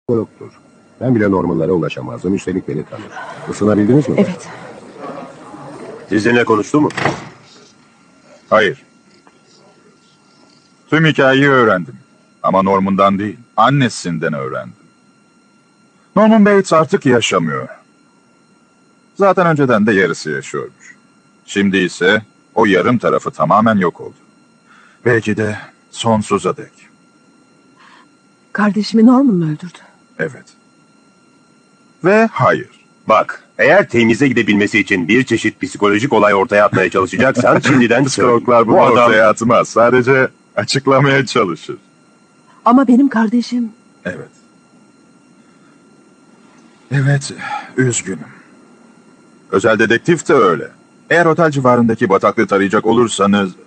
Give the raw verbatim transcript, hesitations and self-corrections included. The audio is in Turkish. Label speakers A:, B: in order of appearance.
A: Yoktur. Ben bile Norman'lara ulaşamazdım. Üstelik beni tanır. Isınabildiniz mi?
B: Evet.
C: Sizinle konuştu mu?
D: Hayır. Tüm hikayeyi öğrendim. Ama Norman'dan değil, annesinden öğrendim. Norman Bates artık yaşamıyor. Zaten önceden de yarısı yaşıyormuş. Şimdi ise o yarım tarafı tamamen yok oldu. Belki de sonsuza dek.
B: Kardeşimi Norman mı öldürdü?
D: Evet. Ve hayır.
C: Bak, eğer temize gidebilmesi için bir çeşit psikolojik olay ortaya atmaya çalışacaksan şimdiden
D: Psikologlar bunu
C: bu adam...
D: ortaya atmaz. Sadece açıklamaya çalışır.
B: Ama benim kardeşim...
D: Evet. Evet, üzgünüm. Özel dedektif de öyle. Eğer otel civarındaki bataklığı tarayacak olursanız